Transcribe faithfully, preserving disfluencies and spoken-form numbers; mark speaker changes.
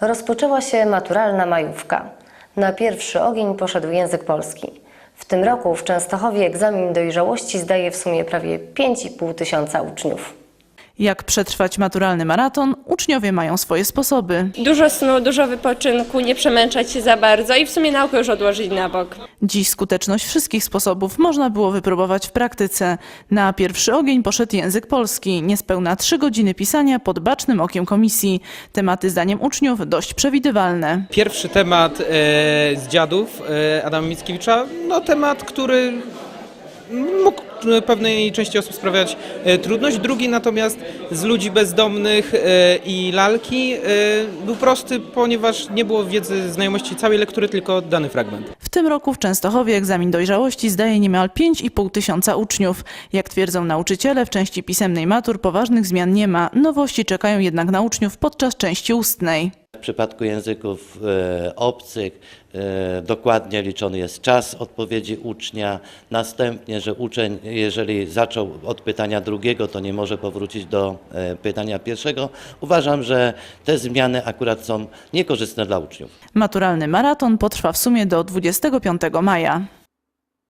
Speaker 1: Rozpoczęła się maturalna majówka. Na pierwszy ogień poszedł język polski. W tym roku w Częstochowie egzamin dojrzałości zdaje w sumie prawie pięć i pół tysiąca uczniów.
Speaker 2: Jak przetrwać maturalny maraton, uczniowie mają swoje sposoby.
Speaker 3: Dużo snu, dużo wypoczynku, nie przemęczać się za bardzo i w sumie naukę już odłożyć na bok.
Speaker 2: Dziś skuteczność wszystkich sposobów można było wypróbować w praktyce. Na pierwszy ogień poszedł język polski. Niespełna trzy godziny pisania pod bacznym okiem komisji. Tematy zdaniem uczniów dość przewidywalne.
Speaker 4: Pierwszy temat e, z dziadów e, Adama Mickiewicza, no temat, który mógł pewnej części osób sprawiać e, trudność. Drugi natomiast z ludzi bezdomnych e, i lalki e, był prosty, ponieważ nie było wiedzy, znajomości całej lektury, tylko dany fragment.
Speaker 2: W tym roku w Częstochowie egzamin dojrzałości zdaje niemal pięć i pół tysiąca uczniów. Jak twierdzą nauczyciele, w części pisemnej matur poważnych zmian nie ma. Nowości czekają jednak na uczniów podczas części ustnej.
Speaker 5: W przypadku języków e, obcych e, dokładnie liczony jest czas odpowiedzi ucznia. Następnie, że uczeń, jeżeli zaczął od pytania drugiego, to nie może powrócić do e, pytania pierwszego. Uważam, że te zmiany akurat są niekorzystne dla uczniów.
Speaker 2: Maturalny maraton potrwa w sumie do dwudziestego piątego maja.